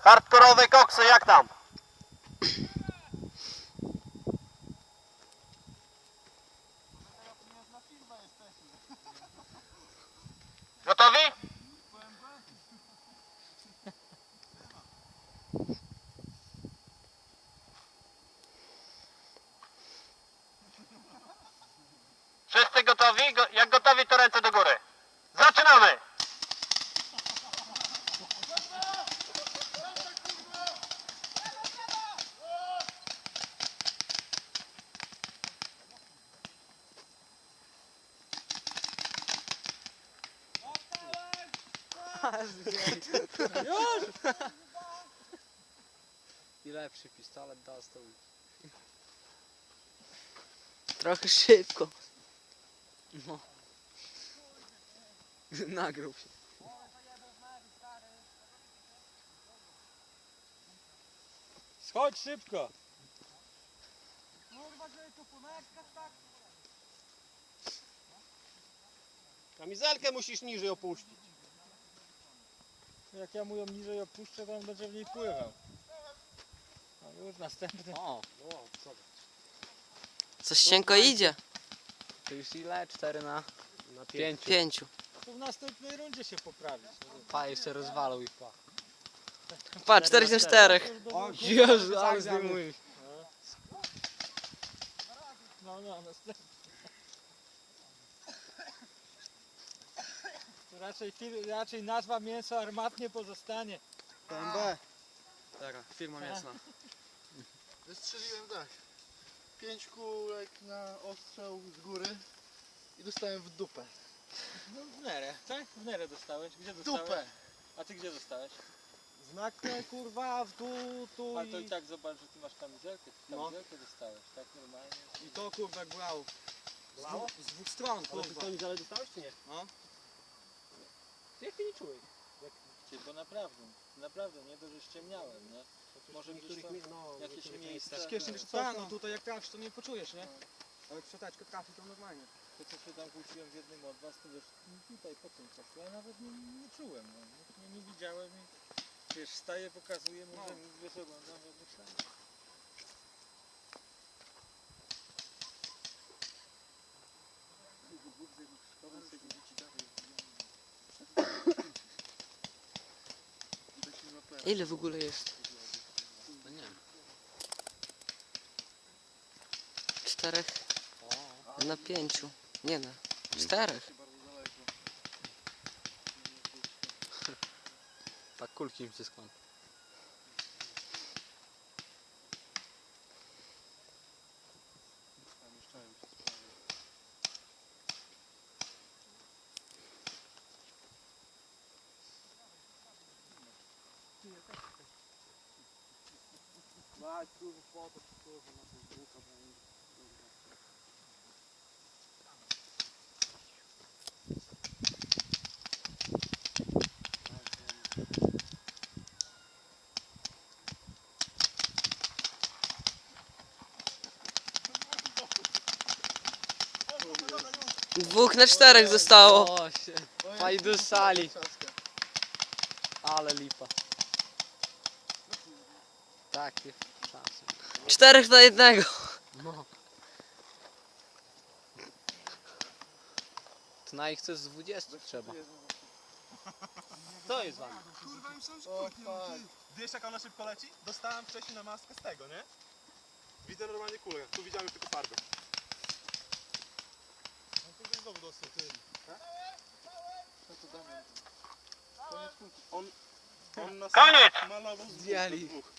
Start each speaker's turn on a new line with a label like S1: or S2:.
S1: Hardkorowe koksy, jak tam? Gotowi? Wszyscy gotowi? Jak gotowi, to ręce do góry. Zaczynamy!
S2: Już! I lepszy pistolet dostał.
S3: Trochę szybko.
S2: No. Nagrał się.
S4: Schodź szybko!
S1: Kamizelkę musisz niżej opuścić.
S4: Jak ja mu ją niżej opuszczę, to on będzie w niej pływał. No już następny.
S2: O,
S3: Coś cienko idzie.
S2: to już ile? 4 na 5.
S3: 5.
S4: Tu w następnej rundzie się poprawić.
S2: Pa, jeszcze rozwalał ich pa.
S3: Patrz, 4 na 4.
S2: Jezu, ale zdejmuj.
S4: No, następny. Tu raczej nazwa mięso armatnie pozostanie.
S5: PMB.
S2: Taka, firma mięsna.
S5: Wystrzeliłem tak. 5 kulek na ostrzał z góry i dostałem w dupę.
S4: No w nerę, tak? W nerę dostałeś. Gdzie
S5: W
S4: dostałeś?
S5: dupę!
S4: A ty gdzie dostałeś?
S5: Znak kurwa w dół, tu
S4: A to i tak zobacz, że ty masz kamizelkę. Ty
S5: No.
S4: kamizelkę dostałeś, tak normalnie.
S5: I to kurwa glało. Z dwóch stron kurwa.
S1: Ale dostałeś czy nie?
S4: Jak ty nie czułeś? Bo naprawdę, nie to, że ściemniałem, nie? Może gdzieś tam jakieś miejsca.
S5: No tutaj jak trafisz to nie poczujesz, nie? Ale jak szczoteczkę trafi to normalnie.
S4: To co się tam kłóciłem z jednym od was, to wiesz, tutaj po tym czasie, ja nawet nie czułem, no. Nie widziałem i wiesz, wstaję, pokazuję, mówię, wiesz, oglądam, ja myślałem.
S3: Ile w ogóle jest?
S2: No nie wiem.
S3: 4 na 5. Nie na 4.
S2: Tak kulki im się składa.
S5: Mać kurwa foto, kurwa na Facebooka będzie.
S3: Dwóch na 4 zostało.
S2: O się. Fajdu sali. Ale lipa. Takie czasy.
S3: 4 na 1.
S2: No. To na ich chce z 20 trzeba.
S4: Co jest wam?
S5: O fuck.
S6: Wiesz jak ona szybko leci? Dostałem wcześniej na maskę z tego, nie? Widzę normalnie kulę, tu widziałem tylko farbę.
S5: On tu znowu dostał ty. Co to Damian?
S6: On nas
S1: Koniec!
S6: malował z
S2: Zdjęli.
S6: dwóch.